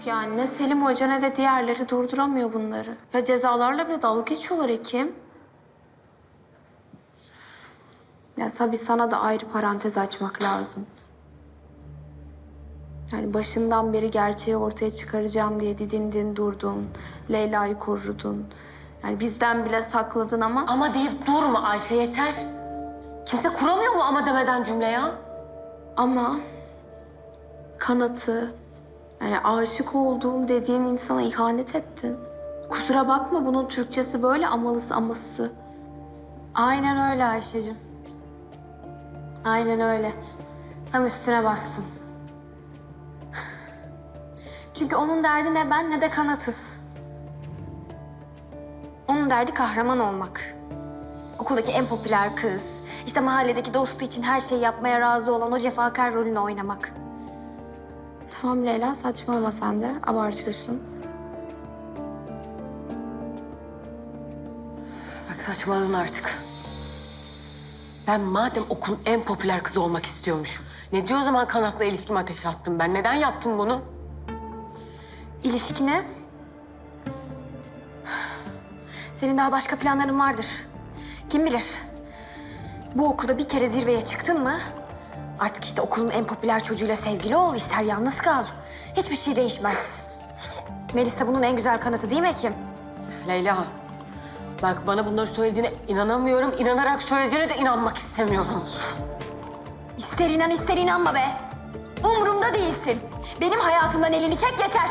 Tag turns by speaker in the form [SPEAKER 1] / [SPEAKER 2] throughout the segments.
[SPEAKER 1] yok yani. Ne Selim Hoca ne de diğerleri durduramıyor bunları. Ya cezalarla bile dalga geçiyorlar Ekim. Ya tabii sana da ayrı parantez açmak lazım. Yani başından beri gerçeği ortaya çıkaracağım diye didindin durdun. Leyla'yı korudun. Yani bizden bile sakladın ama...
[SPEAKER 2] Ama deyip durma Ayşe, yeter. Kimse kuramıyor mu ama demeden cümle ya?
[SPEAKER 1] Ama Kanat'ı, yani aşık olduğum dediğin insana ihanet ettin. Kusura bakma, bunun Türkçesi böyle, amalısı aması.
[SPEAKER 3] Aynen öyle Ayşe'cim. Aynen öyle. Tam üstüne bastın. Çünkü onun derdi ne ben ne de Kanat'ız. Onun derdi kahraman olmak. Okuldaki en popüler kız. İşte mahalledeki dostu için her şeyi yapmaya razı olan o cefakar rolünü oynamak.
[SPEAKER 1] Tamam Leyla, saçmalama sen de. Abartıyorsun.
[SPEAKER 2] Bak saçmaladın artık. Ben madem okulun en popüler kızı olmak istiyormuşum, ne diyor o zaman Kanat'la ilişkimi ateşe attım ben? Neden yaptım bunu?
[SPEAKER 3] İlişkine... Senin daha başka planların vardır. Kim bilir? Bu okulda bir kere zirveye çıktın mı... Artık işte okulun en popüler çocuğuyla sevgili ol, ister yalnız kal. Hiçbir şey değişmez. Melisa bunun en güzel kanıtı değil mi Ekim?
[SPEAKER 2] Leyla, bak bana bunları söylediğine inanamıyorum. İnanarak söylediğine de inanmak istemiyorum.
[SPEAKER 3] İster inan ister inanma be. Umurumda değilsin. Benim hayatımdan elini çek yeter.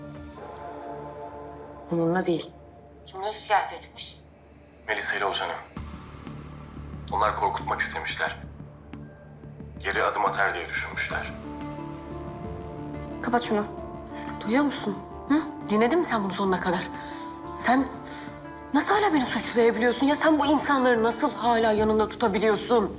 [SPEAKER 2] Bununla değil. Kimle şikayet etmiş?
[SPEAKER 4] Melisa ile Ozan'ı. Onlar korkutmak istemişler. Geri adım atar diye düşünmüşler.
[SPEAKER 3] Kapat şunu.
[SPEAKER 2] Duyuyor musun? Hı? Dinledin mi sen bunu sonuna kadar? Sen nasıl hala beni suçlayabiliyorsun? Ya sen bu insanları nasıl hala yanında tutabiliyorsun?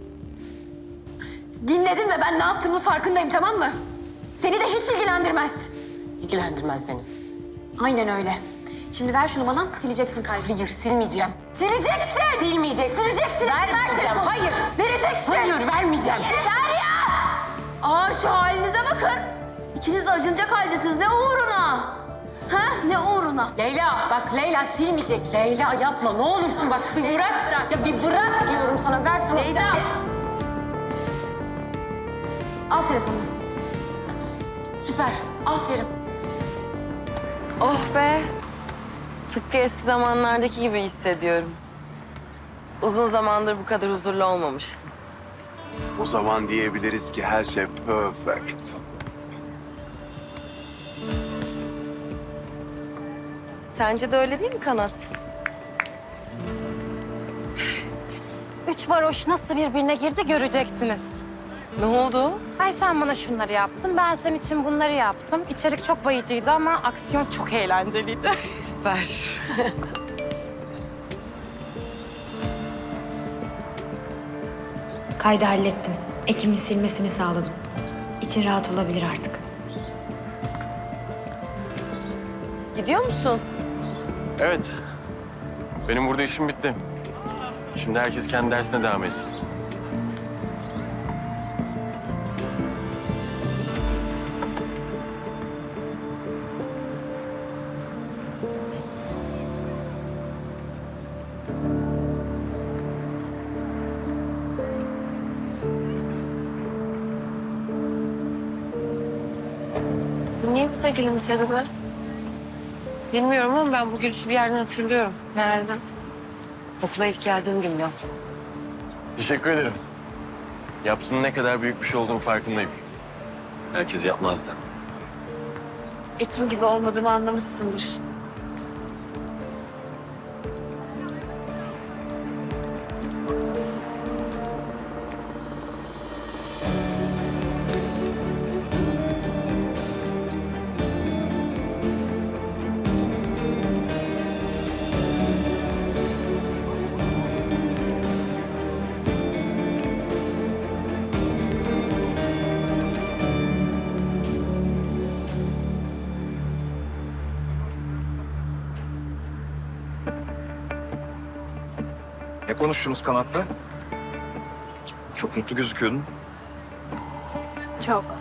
[SPEAKER 3] Dinledin ve ben ne yaptığımın farkındayım, tamam mı? Seni de hiç ilgilendirmez.
[SPEAKER 2] İlgilendirmez beni.
[SPEAKER 3] Aynen öyle. Şimdi ver şunu bana, sileceksin kalbini.
[SPEAKER 2] Hayır, silmeyeceğim.
[SPEAKER 3] Sileceksin!
[SPEAKER 2] Silmeyeceksin.
[SPEAKER 3] Sileceksin!
[SPEAKER 2] Vermeyeceğim. Hayır.
[SPEAKER 3] Vereceksin!
[SPEAKER 2] Hayır, vermeyeceğim.
[SPEAKER 3] Yeter ya! Aa, şu halinize bakın. İkiniz de acınacak haldesiniz. Ne uğruna? Ha? Ne uğruna?
[SPEAKER 2] Leyla, bak Leyla silmeyecek. Leyla yapma, ne olursun bak bir bırak. Ya bir bırak diyorum sana, ver tamam.
[SPEAKER 3] Leyla! Al telefonunu.
[SPEAKER 2] Süper, aferin.
[SPEAKER 5] Oh be. Tıpkı eski zamanlardaki gibi hissediyorum. Uzun zamandır bu kadar huzurlu olmamıştım.
[SPEAKER 6] O zaman diyebiliriz ki her şey perfect.
[SPEAKER 5] Sence de öyle değil mi Kanat?
[SPEAKER 7] Üç varoş nasıl birbirine girdi görecektiniz.
[SPEAKER 5] Ne oldu?
[SPEAKER 7] Hay sen bana şunları yaptın, ben senin için bunları yaptım. İçerik çok bayıcıydı ama aksiyon çok eğlenceliydi.
[SPEAKER 5] Süper.
[SPEAKER 8] Kaydı hallettim. Ekim'in silmesini sağladım. İçin rahat olabilir artık.
[SPEAKER 5] Gidiyor musun?
[SPEAKER 4] Evet. Benim burada işim bitti. Şimdi herkes kendi dersine devam etsin.
[SPEAKER 2] Bu niye bu sevgiliniz ya da ben? Bilmiyorum ama ben bu gülüşü bir yerden hatırlıyorum. Nereden? Okula ilk geldiğim gün ya.
[SPEAKER 4] Teşekkür ederim. Yapsının ne kadar büyük bir şey olduğunu farkındayım. Herkes yapmazdı.
[SPEAKER 3] Ekim gibi olmadığımı anlamışsındır.
[SPEAKER 6] Ne konuştunuz Kanat'la? Çok mutlu gözüküyordun.
[SPEAKER 7] Çok.